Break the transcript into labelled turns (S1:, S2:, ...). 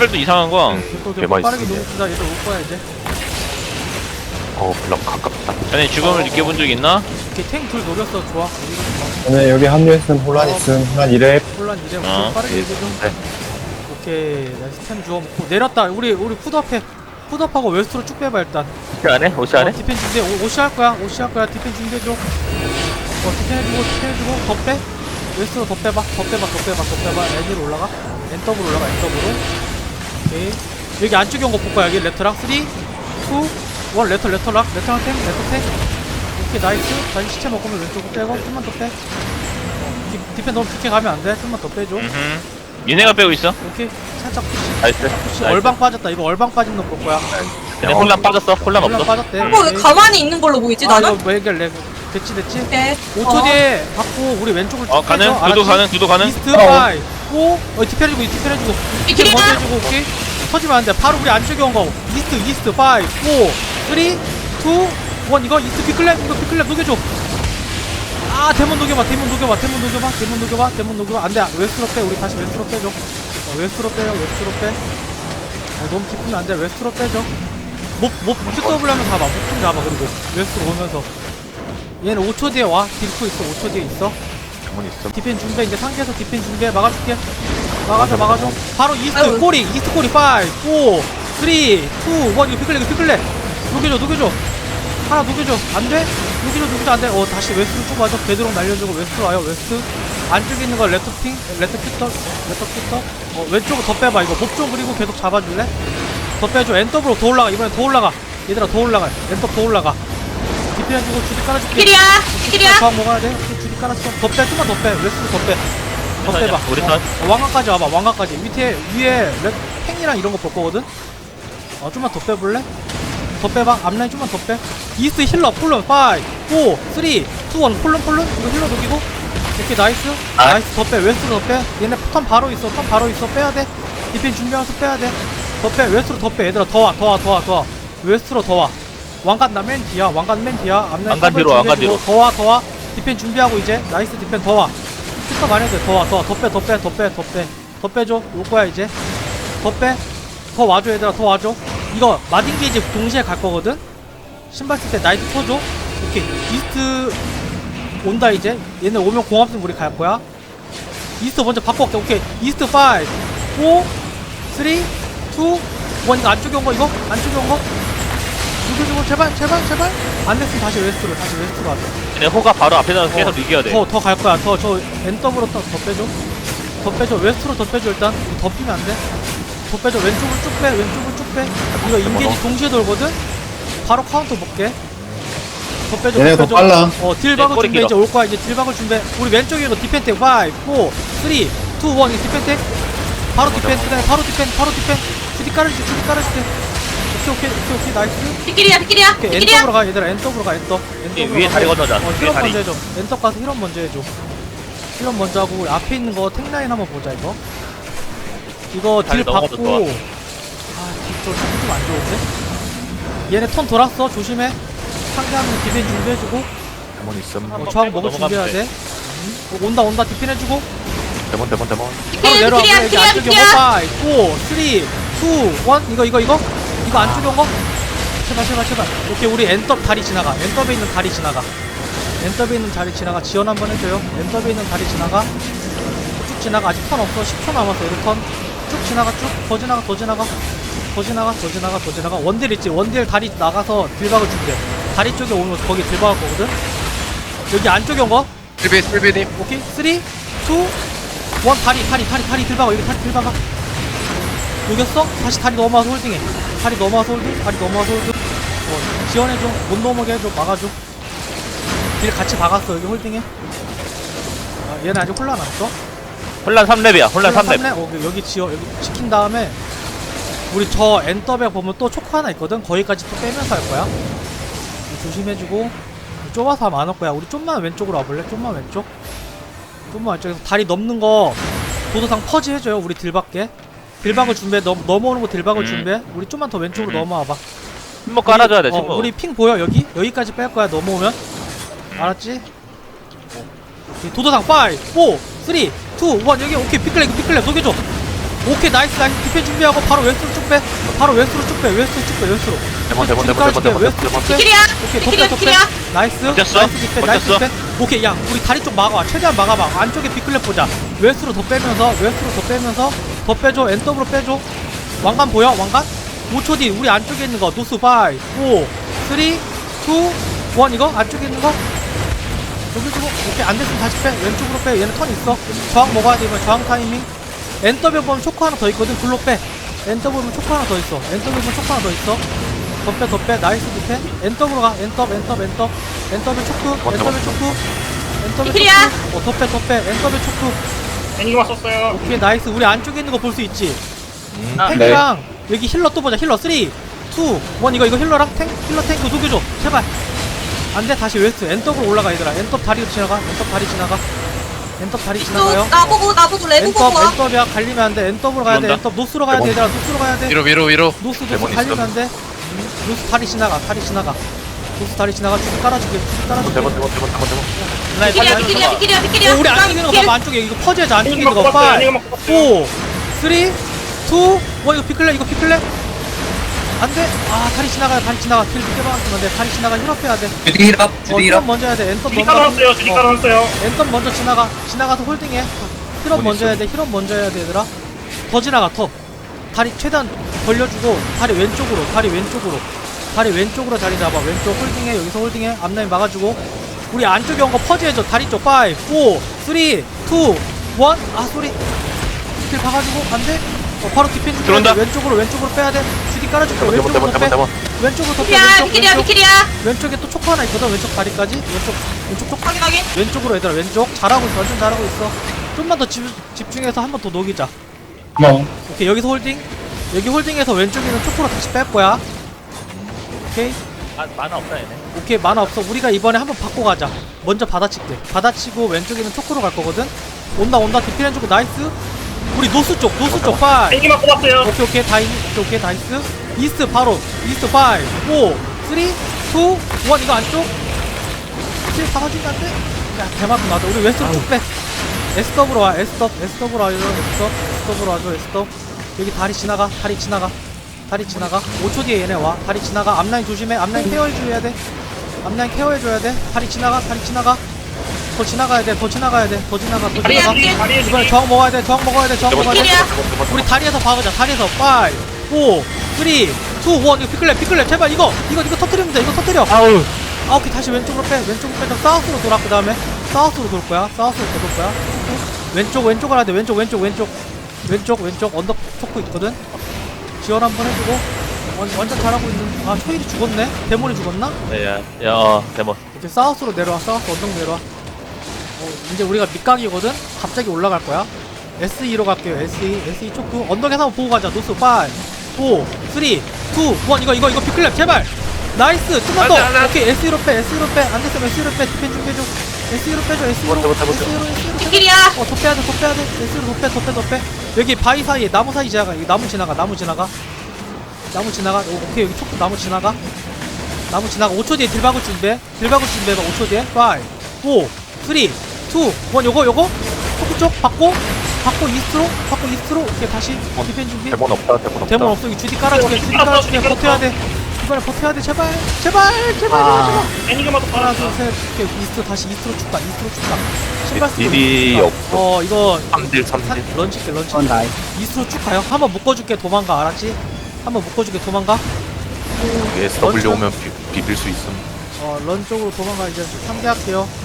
S1: 레벨도 이상한 거야.
S2: 개맛있어.
S3: 빠르게 녹읍시다. 얘들 올 거야 이제.
S2: 별로 가깝다.
S1: 전에 죽음을 느껴본 적 있나?
S3: 이렇게 탱둘 노렸어. 좋아.
S4: 오늘 여기 합류했음 혼란 있음 혼란 2렙
S3: 혼란 이제
S1: 어.
S3: 빠르게 이제 좀.
S2: 네.
S3: 오케이. 나 스템 주워 먹고 내렸다. 우리 푸드업해. 푸드업하고 웨스트로 쭉 빼봐 일단.
S1: 오시 안 해? 오시 안 해?
S3: 디펜 준비해. 오시 할 거야. 오시 할 거야. 디펜 준비해줘. 디펜 해주고 더 빼. 웨스트로 더 빼봐. 더 빼봐. N으로 올라가. N더블 올라가. N더블로. 오케이. 여기 안쪽에 온 거 볼 거야. 여기 레터랑 3, 2, 1 레터랑 탱. 오케이 나이스. 다시 시체 먹으면 왼쪽으로 빼고 좀만 더 빼. 디펜 너무 깊게 가면 안 돼. 좀만 더 빼줘.
S1: 얘네가 빼고 있어.
S3: 오케이. 살짝 푸시.
S1: 나이스.
S3: 얼방 빠졌다. 이거 얼방 빠진 놈 볼 거야.
S1: 근데 혼란 빠졌어. 혼란 없어.
S3: 빠졌대.
S5: 왜 가만히 있는 걸로 보이지 나는?
S3: 이거 왜 이렇게 됐지?
S5: 네.
S3: 5초 뒤에 받고 우리 왼쪽을 쭉
S1: 가능?
S3: 빼줘.
S1: 두도
S3: 알았지?
S1: 가능?
S3: 이스트 파이 오 디펜 해주고
S5: 이
S3: 디펜
S5: 길이야?
S3: 먼저 해주고 오케이 터지면 안돼 바로 우리 안쪽에 온거 이스트 파이 4 3 2 1 이거 이스트 피클랩 녹여줘 데몬 녹여봐 안돼 웨스트로 빼 우리 다시 웨스트로 빼줘 웨스트로 빼 너무 깊으면 안돼 웨스트로 빼줘 QW 하면 잡아 목 좀 잡아 그리고 웨스트로 오면서 얘는 5초 뒤에 와 딜프 있어 5초 뒤에 있어
S2: 가만히 있음.
S3: 디펜 준비해 이제 상계에서 디펜 준비해 막아줄게 막아줘 바로 이스트
S5: 아이고.
S3: 꼬리 5 4 3 2 1 이거 피클레 녹여줘 하나 녹여줘 안돼? 녹여줘 안돼 다시 웨스트로 쭉 와줘 베드록 날려주고 웨스트로 와요 웨스트 안쪽에 있는 거 레터 피터 왼쪽으로 더 빼봐 이거 목 좀 그리고 계속 잡아줄래? 더 빼줘 엔더블로 더 올라가 이번엔 더 올라가 얘들아 더 올라가 엔더 더 올라가 디펜 해주고 주디 깔아줄게
S5: 길이야.
S3: 저항 먹어야 돼. 주디 깔았어. 더 빼, 좀만 더 빼. 웨스트로 더 빼. 더 빼봐.
S1: 우리 턴.
S3: 왕관까지 와봐. 왕관까지. 위에 팽이랑 이런 거 볼 거거든. 좀만 더 빼볼래? 더 빼봐. 앞라인 좀만 더 빼. 이스트 힐러 폴론 5, 4, 3, 2, 1 폴론. 이거 힐러 녹이고. 오케이 나이스. 나이스 더 빼. 웨스트로 더 빼. 얘네 턴 바로 있어. 빼야 돼. 디펜 준비하면서 빼야 돼. 더 빼. 웨스트로 더 빼. 얘들아 더 와. 웨스트로 더 와. 왕관 맨 뒤야. 앞라인
S1: 왕관 뒤로.
S3: 더 와. 디펜 준비하고 이제 나이스 디펜 더 와. 스터 많이 해도 돼. 더 빼줘. 올 거야 이제. 더 와줘 얘들아. 더 와줘. 이거 마딘 게이지 동시에 갈 거거든. 신발 쓸 때 나이트 쳐줘. 오케이. 이스트 온다 이제. 얘네 오면 공합승 우리 갈 거야. 이스트 먼저 바꿔올게. 오케이. 이스트 5, 4, 3, 2, 1 이거 안쪽에 온 거. 누구주고 제발 안 됐으면 다시 웨스트로 하자.
S1: 얘네 호가 바로 앞에 나서 계속 이겨야 돼.
S3: 더 갈 거야. 저 엔더블로 더 빼줘. 웨스트로 더 빼줘 일단. 더 피면 안 돼. 더 빼줘. 왼쪽을 쭉 빼. 이거 인게이지 동시에 돌거든. 바로 카운터 볼게. 더 빼줘.
S4: 얘네가 더 빨라.
S3: 딜박을
S1: 꼬리
S3: 준비해.
S1: 길어.
S3: 이제 올 거야. 이제 딜박을 준비해. 우리 왼쪽에 이거 디펜텍 5, 4, 3, 2, 1 이거 디펜텍. 바로 디펜. 주디 깔아줄게. 오케이 나이스.
S5: 뒷길이야.
S3: 오케이 엔더브로 가 얘들아. 엔더브로 가.
S1: 위에 다리 건너자. 위에
S3: 힐업
S1: 다리.
S3: 먼저 해줘. 엔터 가서 힐업 먼저 해줘. 힐업 먼저 하고 우리 앞에 있는 거 탱라인 한번 보자 이거. 이거 딜
S1: 다리 넘어가서
S3: 받고.
S1: 좋아.
S3: 딜좀안 좋은데? 얘네 턴 돌았어. 조심해. 상대하면 디펜 준비해주고.
S2: 가만히 있음.
S3: 저항 먹을 준비해야 돼. 온다. 디펜 해주고.
S2: 데몬.
S3: 바로 내려와.
S5: 뒷길이야.
S3: 여기 안쪽에 5, 4, 3, 2, 1 이거 안쪽에 온 거? 제발. 오케이 우리 엔더 다리 지나가. 엔더에 있는 다리 지나가. 지원 한번 해줘요. 엔더에 있는 다리 지나가. 쭉 지나가. 아직 턴 없어. 10초 남았어. 우리 턴. 쭉 지나가. 더 지나가. 원딜 있지. 원딜 다리 나가서 딜박을 준비해. 다리 쪽에 오면 거기 딜박할 거거든. 여기 안쪽에 온 거.
S2: 슬비님.
S3: 오케이 3, 2, 1 다리 딜박아. 여기 다리 딜박아. 녹였어? 다시 다리 넘어와서 홀딩해. 다리 넘어와서 홀딩. 지원해줘. 못 넘어게 해줘. 막아줘. 딜 같이 박았어. 여기 홀딩해. 얘는 아직 혼란 없어.
S1: 혼란 3렙이야. 혼란 3렙.
S3: 여기 지킨 다음에 우리 저 엔더백 보면 또 초코 하나 있거든. 거기까지 또 빼면서 할 거야. 조심해주고. 좁아서 하면 안 올 거야. 우리 좀만 왼쪽으로 와볼래? 좀만 왼쪽에서 다리 넘는 거 도도상 퍼지 해줘요. 우리 딜박게. 딜박을 준비해. 넘어오는 거 딜박을 준비해. 우리 좀만 더 왼쪽으로 넘어와봐.
S1: 침묵 깔아줘야 돼. 침묵.
S3: 우리 핑 보여 여기? 여기까지 뺄 거야 넘어오면. 알았지? 도도상 5, 4, 3, 2, 1 여기 오케이 피클랩 녹여줘. 오케이 나이스 나이스 디펜 준비하고 바로 웨스트로 쭉빼 바로 웨스트로 쭉빼 웨스트로 웨스트로
S5: 비키리야.
S3: 오케이
S5: 비키리야,
S3: 덮배
S5: 비키리야.
S3: 나이스
S1: 버텼어?
S3: 나이스 디펜 나이스
S1: 버텼어?
S3: 디펜 오케이 야 우리 다리 쪽 막아봐 최대한 막아봐 안쪽에 빅클랩 보자 웨스트로 더 빼면서 더 빼줘 엔더브로 빼줘 왕관 보여 왕관? 5초 뒤 우리 안쪽에 있는 거 노스 5 4 3 2 1 이거 안쪽에 있는 거 여기 주고 오케이 안 됐으면 다시 빼 왼쪽으로 빼 얘는 턴 있어 저항 먹어야 돼 이번 저항 타이밍 엔더블 보면 초코 하나 더 있거든 글로 빼 엔더블 보면 초코 하나 더 있어 엔더블 보면 초코 하나 더 있어 더 빼 나이스 디펜 엔더블로 가 엔더블 초크 엔더블 초크
S5: 비키리야.
S3: 더 빼 엔더블 초크
S6: 애니그마 썼어요.
S3: 오케이 나이스 우리 안쪽에 있는 거 볼 수 있지
S1: 아,
S3: 탱크랑 여기 힐러 또 보자 힐러 3 2 1 이거 힐러랑 힐러 탱크 녹여줘 제발 안돼 다시 웨스트 엔더블 올라가 얘들아 엔더 다리 지나가 엔더 다리 지나가요
S5: 나보고 레브 보고 와.
S3: 엔더비야 갈리면 안돼 엔더브로 가야 돼
S1: 들어온다.
S3: 엔더 노스로 가야 돼 얘들아 노스로 가야 돼
S2: 위로
S3: 노스
S2: 데몬
S3: 갈리면
S2: 있음.
S3: 안돼 노스 다리 지나가 노스 다리 지나가 쭉 깔아줄게
S2: 대본
S5: 비키리야.
S3: 우리 안쪽에 있는 거 봐봐 안쪽에 이거 퍼즈해줘 안쪽에 있는 거 5 4
S6: 애니그마 뽑았어요.
S3: 3 2 1 이거 피클랩 안돼 다리 지나가 길 늦게 박았으면 안돼 다리 지나가 힐업 해야 돼 힐업 먼저 해야 돼 엔더
S6: 주디 깔아놨어요. 주디 깔아놨어요.
S3: 엔더 먼저 지나가서 홀딩해 힐업 먼저 해야 돼 얘들아 더 지나가 더 다리 최대한 벌려주고 다리 왼쪽으로 자리 잡아 왼쪽 홀딩해 여기서 홀딩해 앞라인 막아주고 우리 안쪽에 온 거 퍼즈해줘 다리 쪽 5 4 3 2 1 소리 길 박아주고 안돼 바로 디펜
S1: 들어온다.
S3: 왼쪽으로 빼야 돼 주디 깔아줄게 왼쪽으로 더 빼 왼쪽으로 더 빼
S5: 비키리야.
S3: 왼쪽에 또 초코 하나 있거든 왼쪽 다리까지 왼쪽 초코
S5: 확인.
S3: 왼쪽으로 얘들아 왼쪽 잘하고 있어 완전 잘하고 있어 좀만 더 집중해서 한 번 더 녹이자
S4: 뭐
S3: 오케이 여기서 홀딩 여기 홀딩해서 왼쪽에 있는 초코로 다시 뺄 거야 오케이
S1: 만화 없다 얘네.
S3: 오케이 만화 없어 우리가 이번에 한번 바꿔 가자 먼저 받아치고 왼쪽에 있는 초코로 갈 거거든 온다 디펜 해주고 나이스 우리 노스 쪽 5
S6: 애니그마 뽑았어요.
S3: 오케이 나이스 이스트 바로 이스트 5 4 3 2 1 이거 안쪽 실 박아주면 안돼 야 대만큼 나왔다 우리 웨스트로 쭉빼 S더블로 와 S더블로 와줘 S더블 여기 다리 지나가 5초 뒤에 얘네 와 다리 지나가 앞라인 조심해 앞라인 케어해줘야 돼 다리 지나가 더 지나가야 돼 이번에 저항 먹어야 돼
S5: 비키리야.
S3: 우리 다리에서 박으자 다리에서 5 4 3 2 1 이거 피클랩 제발 이거 터뜨리면 돼 이거 터뜨려 오케이 다시 왼쪽으로 빼 사우스로 돌아 그 다음에 사우스로 돌 거야 왼쪽을 해야 돼 왼쪽 언덕 초코 있거든 지원 한번 해주고 완전 잘하고 있는 초일이 죽었네 데몬이 죽었나?
S1: 데몬.
S3: 이제 사우스로 내려와 언덕 내려와 이제 우리가 밑각이거든 갑자기 올라갈 거야 SE로 갈게요 SE 초크 언덕에서 한번 보고 가자 노스 5 4 3 2 1 이거 피클랩 제발 나이스 좀만 더 오케이 SE로 빼 안됐으면 SE로 빼 디펜 준비해줘 SE로 빼줘 SE로
S5: 비키리야.
S3: 더 빼야 돼 SE로 더 빼 여기 바위 사이에 나무 사이 지나가 여기 나무 지나가 오케이 여기 초크 나무 지나가 5초 뒤에 딜 박을 준비해봐 5초 뒤에 5 4 3 2 1 요거 초크 쪽 받고 이스트로 오케이 다시 디펜 준비
S2: 대본 없다
S3: 데몬 없어 여기 주디 깔아줄게 버텨야 돼 이번에 버텨야 돼 제발
S6: 애니그마도
S3: 하나
S6: 깔아놨어.
S3: 둘셋 오케이 이스트로 쭉가 신발 쓰고
S2: 딜이 없어
S3: 이거
S2: 3딜
S3: 런치 이스트로 쭉 가요 한번 묶어줄게 도망가 알았지? 도망가
S2: SW 오면 비빌 수 있음
S3: 런 쪽으로 도망가 이제 3대 할게요